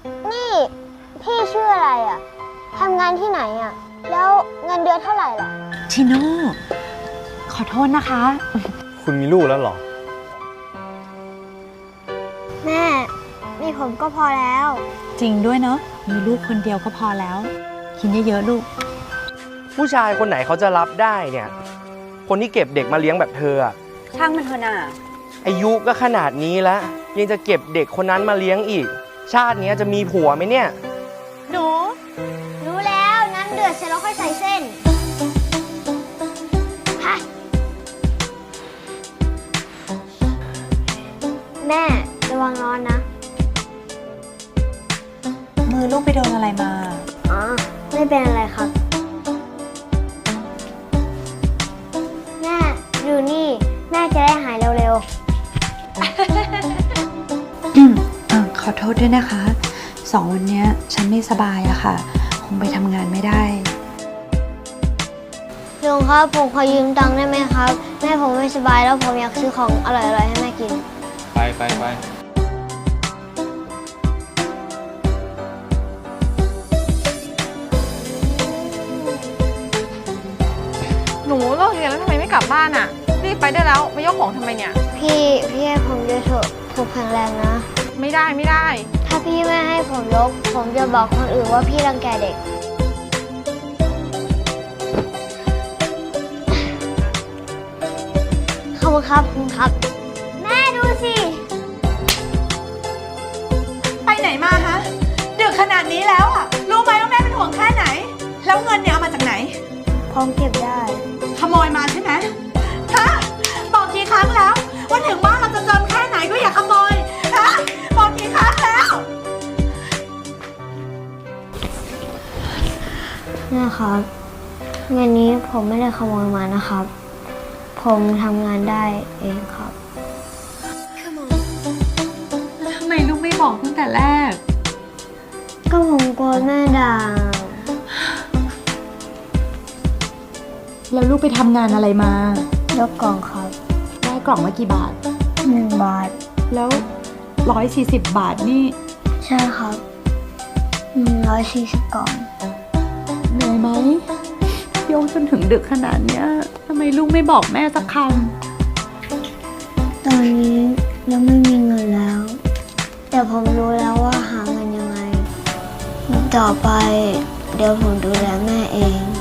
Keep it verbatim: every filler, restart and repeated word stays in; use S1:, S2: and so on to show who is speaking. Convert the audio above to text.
S1: นี่พี่ชื่ออะไรอ่ะทำงานที่ไหนอ่ะแล้วเงินเดือนเท่าไหร่ล่ะ
S2: ชิโน่ขอโทษนะคะ
S3: คุณมีลูกแล้วเหรอ
S1: แม่มีผมก็พอแล้ว
S2: จริงด้วยเนาะมีลูกคนเดียวก็พอแล้วกินเยอะๆลูก
S3: ผู้ชายคนไหนเขาจะรับได้เนี่ยคนที่เก็บเด็กมาเลี้ยงแบบเธออะ
S2: ช่างมันเถอะน่ะ
S3: อายุก็ขนาดนี้แล้วยังจะเก็บเด็กคนนั้นมาเลี้ยงอีกชาตินี้จะมีผัวไหมเนี่ย
S1: หนูรู้แล้วงั้นเดือดเสร็จแล้วค่อยใส่เส้นแม่ระวังร้อนนะ
S2: มือลูกไปโดนอะไรมา
S1: อ๋อไม่เป็นอะไรครับแม่ดูนี่แม่จะได้หายเร็ว
S2: ๆอืมอ่าขอโทษด้วยนะคะสองวันนี้ฉันไม่สบายอะค่ะคงไปทำงานไม่ได้
S1: ลุงครับผมขอยืมตังค์ได้ไหมครับแม่ผมไม่สบายแล้วผมอยากซื้อของอร่อยๆให้แม่กิน
S3: ไปไปไป
S4: หนูเลิกเรียนแล้วทำไมไม่กลับบ้านอ่ะรีบไปได้แล้วมายกของทำไมเนี่ย
S1: พี่พี่ให้ผมด้วยเถอะผมแข็งแรงนะ
S4: ไม่ได้ไม่ได้
S1: ถ้าพี่ไม่ให้ผมยกผมจะบอกคนอื่นว่าพี่รังแกเด็กขอบคุณครับคุณครับแม่ดูสิ
S5: ไปไหนมาฮะดึกขนาดนี้แล้วอ่ะรู้ไหมว่าแม่เป็นห่วงแค่ไหนแล้วเงินเนี่ยเอามาจากไหน
S1: ผมเก็บได้
S5: ขโมยมาใช่ไหมฮะบอกกี่ครั้งแล้วว่าถึงบ้านเราจะจนแค่ไหนก็อย่าขโมยฮะบอกกี่ครั้งแล้ว
S1: แม่ครับเงินนี้ผมไม่ได้ขโมยมานะครับผมทำงานได้เองครับ
S2: แล้วทำไมลูกไม่บอกตั้งแต่แรก
S1: ก็ผมกลัวแม่ด่า
S2: แล้วลูกไปทำงานอะไรมาย
S1: กกล่องครับ
S2: ได้กล่องมากี่บาท
S1: หนึ่งบาท
S2: แล้วร้อยสี่สิบบาทนี่
S1: ใช่ครับหนึ่งร้อยสี่สิบกล่อง
S2: เหนื่อยไหมโยงจนถึงดึกขนาดเนี้ยทำไมลูกไม่บอกแม่สักค
S1: ำตอนนี้ยังไม่มีเงินแล้วแต่ผมรู้แล้วว่าหาเงินยังไงต่อไปเดี๋ยวผมดูแลแม่เอง